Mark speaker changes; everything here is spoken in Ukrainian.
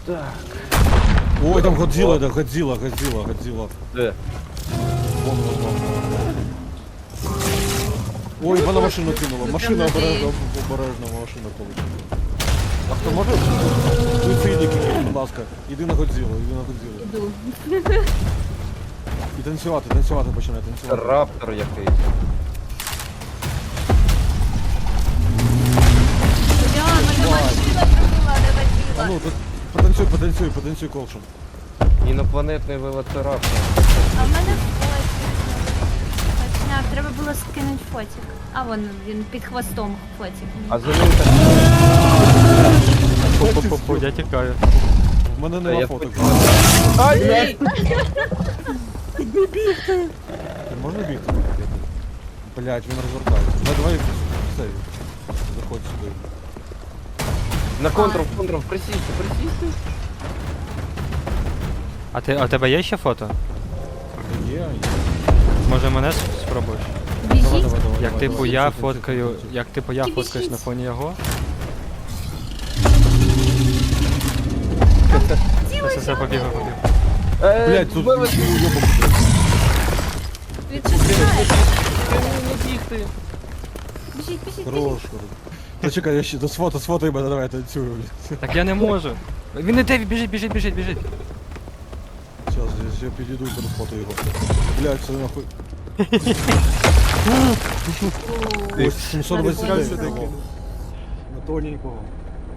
Speaker 1: Так.
Speaker 2: Ой, там Годзилла, да, Годзилла.
Speaker 1: Де?
Speaker 2: Вон. Ой, вона машину кинула. Машина обережно, машина полетіла. А хто може? Суїцидники, будь ласка. Іди на Годзиллу.
Speaker 3: Іду.
Speaker 2: І танцювати починай, танцювати.
Speaker 1: Раптор якийсь.
Speaker 3: Я, мене машина прибула, не
Speaker 2: А ну,
Speaker 3: водила.
Speaker 2: потанцюй колшем.
Speaker 1: Інопланетний велоцираптор.
Speaker 3: А в мене фотик. Треба було скинути фотик. А вон він під хвостом фотик.
Speaker 1: А за ним так...
Speaker 4: Пу-пу-пу, я тікаю.
Speaker 2: В мене
Speaker 1: Та
Speaker 2: нема
Speaker 1: я
Speaker 2: фоток.
Speaker 1: Ай!
Speaker 2: Можна бігти? Блять, він розвертається. Давай все. Заходь сюди.
Speaker 1: На контрол, присісти.
Speaker 4: А у тебе є ще фото?
Speaker 2: Є.
Speaker 4: Може мене спробуєш?
Speaker 3: Біжіть.
Speaker 4: Як типу я
Speaker 2: Тихо,
Speaker 4: фоткаю,
Speaker 2: тихо.
Speaker 4: як типу я фоткаюсь на фоні його? Все, побігав.
Speaker 2: Блять, тут
Speaker 1: Велоцираптор.
Speaker 2: уйобок.
Speaker 3: Відчуває.
Speaker 1: Не бігти.
Speaker 3: Біжіть.
Speaker 2: Хорош. Та чекай, я ще сфотай мене, давай танцюю.
Speaker 4: Так я не можу. Він іде, біжить.
Speaker 2: Сейчас, я підійду і пересфотаю його. Блять, це нахуй. Ось 720
Speaker 3: Нормально.
Speaker 2: на тоненького.